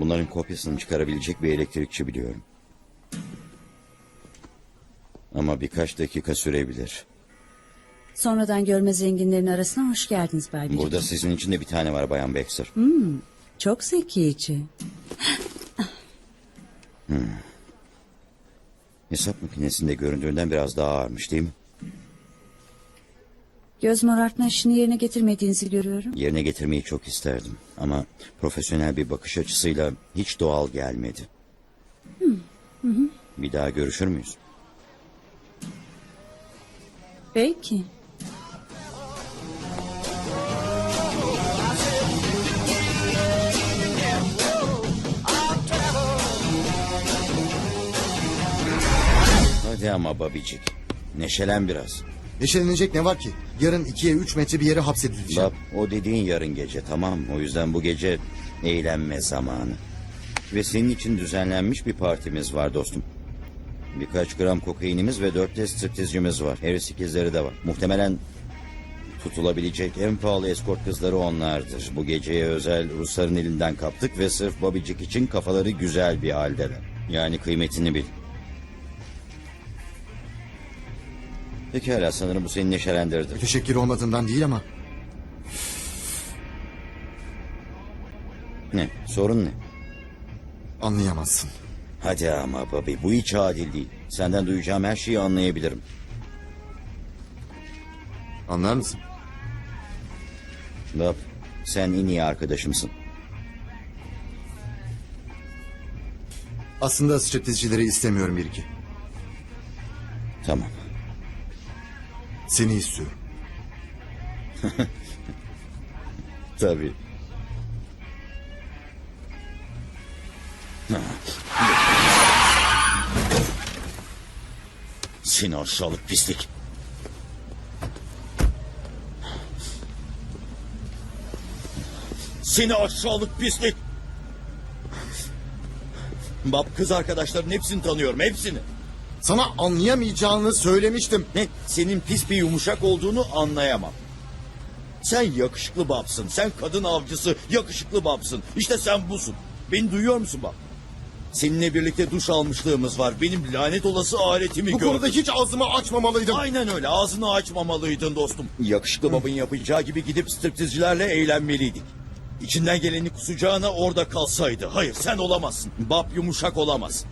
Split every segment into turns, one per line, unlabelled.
Bunların kopyasını çıkarabilecek bir elektrikçi biliyorum. Ama birkaç dakika sürebilir.
Sonradan görme zenginlerin arasına hoş geldiniz Bay Birikim.
Burada sizin için de bir tane var Bayan Baxter.
Çok zekice.
Hesap makinesinde göründüğünden biraz daha ağırmış değil mi?
Göz morartma işini yerine getirmediğinizi görüyorum.
Yerine getirmeyi çok isterdim. Ama profesyonel bir bakış açısıyla hiç doğal gelmedi. Bir daha görüşür müyüz?
Belki.
Hadi ama babicik. Neşelen biraz.
Neşelenecek ne var ki? Yarın 2'ye 3 metre bir yere hapsedileceğim.
Bab, o dediğin yarın gece, tamam mı? O yüzden bu gece eğlenme zamanı. Ve senin için düzenlenmiş bir partimiz var dostum. Birkaç gram kokainimiz ve 4 de striptizcimiz var. Harris ikizleri de var. Muhtemelen tutulabilecek en pahalı eskort kızları onlardır. Bu geceye özel Rusların elinden kaptık ve sırf babicik için kafaları güzel bir haldeler. Yani kıymetini bil. Pekala, sanırım bu seni neşelendirdi.
Teşekkür olmadığından değil ama
Ne? Sorun ne?
anlayamazsın.
Hadi ama babi, bu hiç adil değil. Senden duyacağım her şeyi anlayabilirim.
Anlar mısın?
Bab, sen en iyi arkadaşımsın.
Aslında striptizcileri istemiyorum bir iki.
Tamam.
Seni istiyorum.
Tabii. Seni aşağılık pislik. Seni aşağılık pislik. Bab, kız arkadaşların hepsini tanıyorum, hepsini.
Sana anlayamayacağını söylemiştim.
Ne? Senin pis bir yumuşak olduğunu anlayamam. Sen yakışıklı babsın. Sen kadın avcısı, yakışıklı babsın. İşte sen busun. Beni duyuyor musun bab? Seninle birlikte duş almışlığımız var. Benim lanet olası aletimi
Bu
gördün.
konuda hiç ağzımı açmamalıydım.
Aynen öyle. Ağzını açmamalıydın dostum. Yakışıklı babın yapacağı gibi gidip striptizcilerle eğlenmeliydik. İçinden geleni kusacağına orada kalsaydı. Hayır, sen olamazsın. Bab yumuşak olamaz.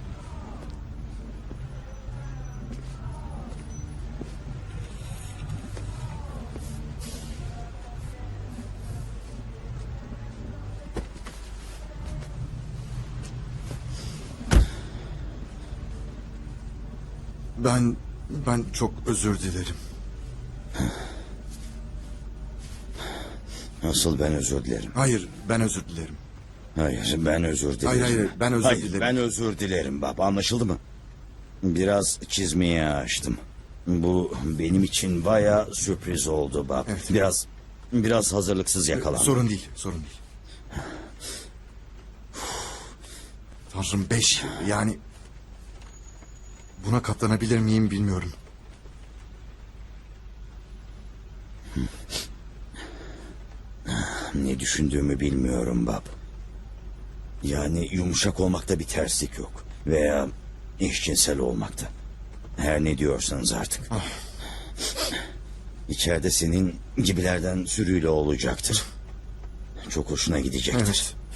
Ben çok özür dilerim.
Nasıl ben özür dilerim?
Hayır, ben özür dilerim.
Hayır, ben özür dilerim.
Hayır, ben özür
Hayır,
dilerim.
ben özür dilerim baba, anlaşıldı mı? Biraz çizmeye açtım. Bu benim için bayağı sürpriz oldu bab.
Evet.
Biraz hazırlıksız yakalandım.
Sorun değil, sorun değil. Tanrım 5 yıl, yani... Buna katlanabilir miyim bilmiyorum.
Ne düşündüğümü bilmiyorum bab. Yani yumuşak olmakta bir terslik yok. Veya eşcinsel olmakta. Her ne diyorsanız artık. İçeride senin gibilerden sürüyle olacaktır. Çok hoşuna gidecektir.
Evet.